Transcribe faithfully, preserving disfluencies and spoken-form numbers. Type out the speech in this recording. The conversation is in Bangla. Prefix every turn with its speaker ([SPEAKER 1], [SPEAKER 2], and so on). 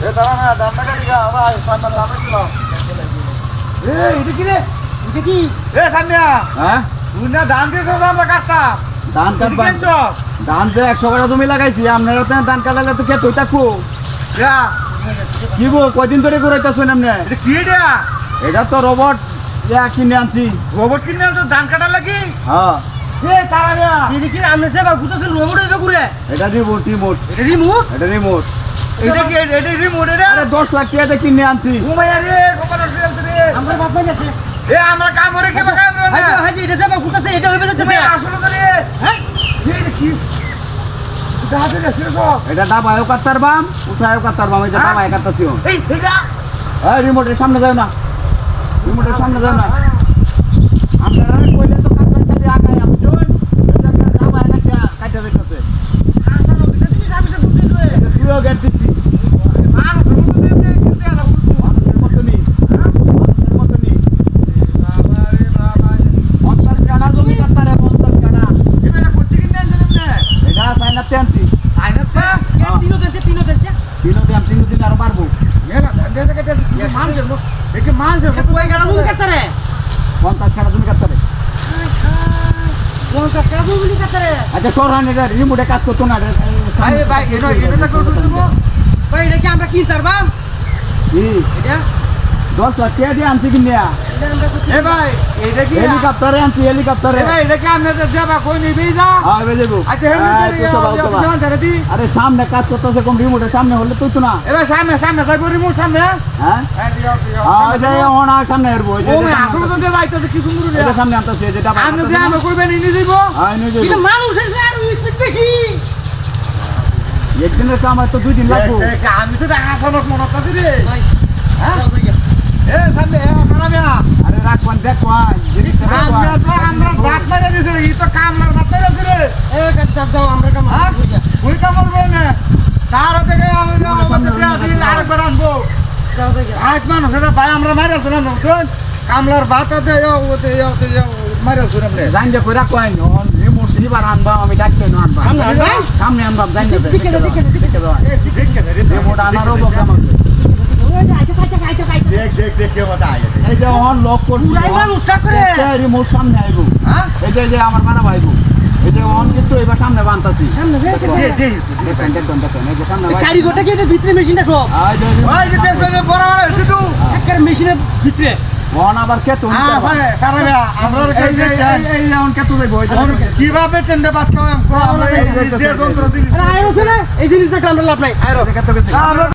[SPEAKER 1] এ দাঁড়া না দামটা কাটি গা ভাই সামনে দামে ছিল এ এটা কি রে এটা কি এ সামনে
[SPEAKER 2] হ্যাঁ
[SPEAKER 1] তুই না ধান দিয়েছ আমরা কাটতা
[SPEAKER 2] ধান কাটবা ধান তো একশো কাটা জমি লাগাইছি আপনারা তো ধান কাটালে তো খেত থাকবো
[SPEAKER 1] যা
[SPEAKER 2] কি বো কয়দিন ধরে ঘুরাইতেছেন আপনি
[SPEAKER 1] এটা কি এটা
[SPEAKER 2] এটা তো রোবট ইয়া কিনে আনছি
[SPEAKER 1] রোবট কিনে আনছো ধান কাটার লাগি
[SPEAKER 2] হ্যাঁ
[SPEAKER 1] এ তারা এটা কি আমনে সেবা গুতাছেন রোবট হইবে ঘুরে
[SPEAKER 2] এটা রিমোট রিমোট
[SPEAKER 1] এটা রিমোট
[SPEAKER 2] এটা রিমোট
[SPEAKER 1] এটা কি এটা রিমোট এটা
[SPEAKER 2] আরে দশ লাখ টাকা কিনে আনছি
[SPEAKER 1] ঘুমাইয়া রে সকাল উঠে রে আমরা বাপ ভাই আছে এ আমরা কাম করে কি কাম রে হাই হাই এটা সেবা গুতাছে এটা হইবে যেতেছে আসলে তো রে হ্যাঁ এটা কি দাদা রে সেবা
[SPEAKER 2] এটা ডাবায়ও কাটতার বাম উঠায়ও কাটতার বাম এটা ডাবায় কাটতাছি
[SPEAKER 1] এই ঠিকা
[SPEAKER 2] এই রিমোটের সামনে যাও না রিমোটের সামনে যাও না আপনারা কইলে তো কাটতে কাটতে আগায় আমি জোন এটা ডাবায় কাটতে কাটতে দেখতেছে
[SPEAKER 1] আসলে এটা তুমি সামনে সামনে দিতে লয়ে
[SPEAKER 2] এটা তুইও গেট দিছি
[SPEAKER 1] মানুষ মতো দিতে দিতে আলা
[SPEAKER 2] মানুষের মতনই মানুষের মতনই
[SPEAKER 1] বাবা রে বাবা
[SPEAKER 2] পঞ্চাশ কাটা জমি কাটতারে পঞ্চাশ কাটা
[SPEAKER 1] এটা করতে কিনে আনছেন আপনি
[SPEAKER 2] এটা চাইনাতে আনছি
[SPEAKER 1] চাইনাতে কে তিনো দেন তিনো দেন
[SPEAKER 2] তিনো দিন তিনো দিন আরো পারবো
[SPEAKER 1] মেলা ধান্দা থেকে মানুষ দেখে মানুষ কই গাড়া তুমি কাটতে রে
[SPEAKER 2] পঞ্চাশ কাটা জমি কাটতারে
[SPEAKER 1] কোন কাটতে তুমি কাটতে রে
[SPEAKER 2] আচ্ছা সরহান এটা রিমোটে কাজ করতো না
[SPEAKER 1] ভাই ভাই এটা এটা কোন শুনতে ভাই এটা কি আমরা কি তারবাম
[SPEAKER 2] কি
[SPEAKER 1] এটা
[SPEAKER 2] দশ লাখ টাকা দিয়ে আনছি কিনিয়া
[SPEAKER 1] এ ভাই এটা কি
[SPEAKER 2] হেলিকপ্টারে আনছি হেলিকপ্টারে
[SPEAKER 1] এ ভাই এটা কি আমরা যাবা কই নেই বেজা
[SPEAKER 2] হ্যাঁ বেজেবো
[SPEAKER 1] আচ্ছা হেমনি জামান জারে দি
[SPEAKER 2] আরে সামনে কাজ করতেছে কোন রিমোটের সামনে হলে তুই তো না
[SPEAKER 1] এ ভাই সামনে সামনে যাই রিমোট সামনে
[SPEAKER 2] হ্যাঁ
[SPEAKER 1] হ্যাঁ রিও রিও
[SPEAKER 2] হ্যাঁ এটা ওনা সামনে হেরবো এই যে
[SPEAKER 1] ও আসলে তো যাইতে কি সুন্দর রে
[SPEAKER 2] এটা সামনে আনতেছে যেটা
[SPEAKER 1] আপনি যে আমি কইবেন নিয়ে যাইব
[SPEAKER 2] হ্যাঁ নিয়ে
[SPEAKER 1] কিন্তু
[SPEAKER 2] যাবো
[SPEAKER 1] মানুষের যে আর স্পিড বেশি
[SPEAKER 2] একদিনের কাম আর তো দুই দিন লাগবো
[SPEAKER 1] আমি তো দেখা সনক মনে করতেছি রে হ্যাঁ এ সামনে এ কারামিয়া
[SPEAKER 2] আরে রাখবান দেখবান জিনিস
[SPEAKER 1] আমরা তো আমরা বাত মেরে দিছে রে ই তো কামলার বাত মেরে দিছে রে এ কাজ যাও আমরা কাম হ্যাঁ ওই কাম করবে না তার থেকে আমি আমাদের দেয়া দিয়ে আরেকবার আনবো যাও দেখি আজ মানুষ এটা ভাই আমরা মারা শুনাম নতুন কামলার বাত দে যাও ওতে যাও ওতে যাও মারা শুনাম রে
[SPEAKER 2] জান যে কইরা কইন অন রিমোট দিবার আনবা আমি ডাকতে না আনবা
[SPEAKER 1] সামনে আনবা?
[SPEAKER 2] সামনে আনবা জান না
[SPEAKER 1] দেখে দে, দেখে দে, দেখে দে। এ ঠিক আছে রে
[SPEAKER 2] রিমোট আনারও প্রোগ্রাম আছে
[SPEAKER 1] দেখ দেখ দেখ কে মত আয়
[SPEAKER 2] এই যে অন লক করছি
[SPEAKER 1] পুরাই মানুষ টা করে।
[SPEAKER 2] রিমোট সামনে আইবো
[SPEAKER 1] হ্যাঁ
[SPEAKER 2] এই যে এই যে আমার মারা ভাইবো এই যে অন কিন্তু এবার সামনে বানতাছি
[SPEAKER 1] সামনে দে দে দে
[SPEAKER 2] দেখেন দেখেন দেখেন এই যে সামনে ভাই
[SPEAKER 1] কারিগরটা কি এটা ভিতরে মেশিনটা সব
[SPEAKER 2] এই যে
[SPEAKER 1] ওই যে দেশ থেকে বড় বড় হচ্ছে তো একের মেশিনের ভিতরে
[SPEAKER 2] অন আবার কে তুমি
[SPEAKER 1] হ্যাঁ ভাই কারাবে আমরা
[SPEAKER 2] এই যে এই এই যে অন কে তুই যাইবো এই যে
[SPEAKER 1] কিভাবে টেন্ডে বাদ খাওয়াম আমরা এই যে যন্ত্র দিই আরে আইরো ছেলে এই জিনিস দেখলাম লাভ নাই আইরো
[SPEAKER 2] দেখে তো গেছে
[SPEAKER 1] আমরা